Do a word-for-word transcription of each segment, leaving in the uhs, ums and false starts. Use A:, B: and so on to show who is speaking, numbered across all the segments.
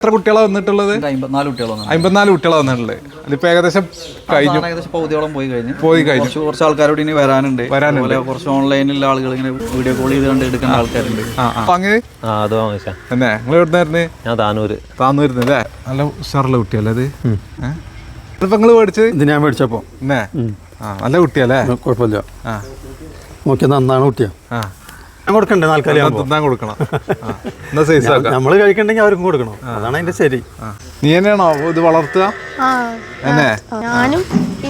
A: എത്ര കുട്ടികളാണ് വന്നിട്ടുള്ളത്?
B: അമ്പത്തിനാല് കുട്ടികളാണ്
A: അമ്പത്തിനാല് കുട്ടികളാണ് വന്നിട്ടുള്ളത്. അതിപ്പോ ഏകദേശം കഴിഞ്ഞു,
B: ഏകദേശം പകുതിയോളം പോയി കഴിഞ്ഞു
A: പോയി കഴിഞ്ഞു
B: കുറച്ച് ആൾക്കാരോട് ഇനി വരാനുണ്ട്
A: വരാനുണ്ട്
B: കുറച്ച് ഓൺലൈനിലുള്ള ആളുകൾ ഇങ്ങനെ വീഡിയോ കോൾ ചെയ്ത് കണ്ട് എടുക്കുന്ന ആൾക്കാരുണ്ട്.
A: അങ്ങനെ തന്നെ നിങ്ങൾ എവിടുന്നായിരുന്നു?
C: ഞാൻ താനൂര്.
A: താന്നൂരുന്ന് അല്ലേ? നല്ല ഉഷാറുള്ള കുട്ടിയല്ലേ അത്? ഇതിപ്പോ നിങ്ങള് മേടിച്ചത്?
D: ഇത് ഞാൻ മേടിച്ചപ്പോ
A: എന്നേ ആ നല്ല കുട്ടിയല്ലേ?
D: കുഴപ്പമില്ല.
A: ആ
D: നോക്കിയ നന്നാണ് കുട്ടിയാ.
A: ആ
D: ഞാൻ കൊടുക്കണ്ടേ നാൽക്കാലി
A: തിന്നാൻ കൊടുക്കണം. എന്നാ സൈസ് ആക്കാം.
D: നമ്മള് കഴിക്കണ്ടെങ്കിൽ അവർക്കും കൊടുക്കണം. അതാണ് അതിന്റെ ശരി.
A: നീ തന്നെയാണോ ഇത് വളർത്തുക? എന്നെ
E: ഞാനും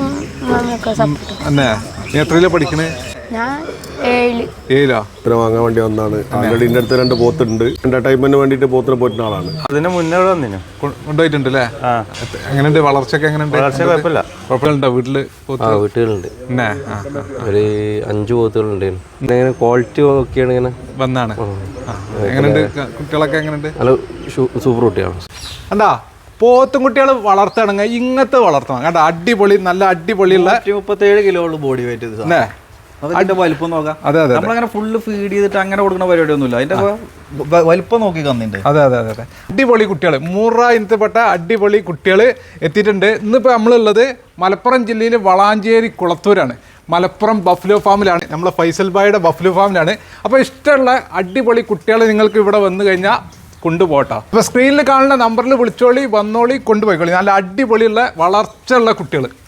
A: എന്നെ നീ എത്രയിലാ പഠിക്കണേ?
E: ഞാൻ ഏഴില്.
A: ഏഴിലാ?
F: ഇത്ര വാങ്ങാൻ വേണ്ടി വന്നാണ്. ആൾറെഡി എൻ്റെ അടുത്ത് രണ്ട് പോത്തുണ്ട്. എന്റർടൈൻമെന്റിന് വേണ്ടിയിട്ട് പോത്തിന് പോറ്റുന്ന ആളാണ്.
C: അതിന് മുന്നേ വന്നിനു
A: കൊണ്ടുപോയിട്ടുണ്ട് അല്ലേ? എങ്ങനെയുണ്ട് വളർച്ചയൊക്കെ? എങ്ങനെയുണ്ട്?
C: കുഴപ്പമില്ല.
A: കുഴപ്പമില്ലുണ്ടോ വീട്ടില്?
C: ആ വീട്ടുകളുണ്ട്.
A: എന്നെ
C: ഒരു അഞ്ചു പോത്തുകളുണ്ടായിരുന്നു. ഇങ്ങനെ ക്വാളിറ്റി ഒക്കെയാണ് ഇങ്ങനെ
A: വന്നാണ്. എങ്ങനെയുണ്ട് കുട്ടികളൊക്കെ? എങ്ങനെയുണ്ട്?
C: നല്ല സൂപ്പർ കുട്ടിയാണ്.
A: എന്താ പോത്തും കുട്ടികൾ വളർത്തണമെങ്കിൽ ഇങ്ങനത്തെ വളർത്തണം കേട്ടോ. അടിപൊളി, നല്ല അടിപൊളിയുള്ള
B: മുപ്പത്തേഴ് കിലോ ഉള്ളു ബോഡി വെയിറ്റ്. അതിന്റെ വലിപ്പം നോക്കാം.
A: അതെ അതെ
B: നമ്മളങ്ങനെ ഫുള്ള് ഫീഡ് ചെയ്തിട്ട് അങ്ങനെ കൊടുക്കുന്ന പരിപാടി ഒന്നുമില്ല. അതിന്റെ വലിപ്പം നോക്കി കന്നിന്റെ.
A: അതെ അതെ അതെ അതെ അടിപൊളി കുട്ടികൾ, മൂറ ഇനത്തിൽപ്പെട്ട അടിപൊളി കുട്ടികൾ എത്തിയിട്ടുണ്ട്. ഇന്നിപ്പോൾ നമ്മളുള്ളത് മലപ്പുറം ജില്ലയിൽ വളാഞ്ചേരി കുളത്തൂരാണ്. മലപ്പുറം ബഫ്ലോ ഫാമിലാണ്, നമ്മളെ ഫൈസൽ ബായുടെ ബഫ്ലോ ഫാമിലാണ്. അപ്പോൾ ഇഷ്ടമുള്ള അടിപൊളി കുട്ടികൾ നിങ്ങൾക്ക് ഇവിടെ വന്നു കഴിഞ്ഞാൽ കൊണ്ടുപോട്ടോ. അപ്പോൾ സ്ക്രീനിൽ കാണുന്ന നമ്പറിൽ വിളിച്ചോളി, വന്നോളി, കൊണ്ടുപോയിക്കോളി. നല്ല അടിപൊളിയുള്ള വളർച്ചയുള്ള കുട്ടികൾ.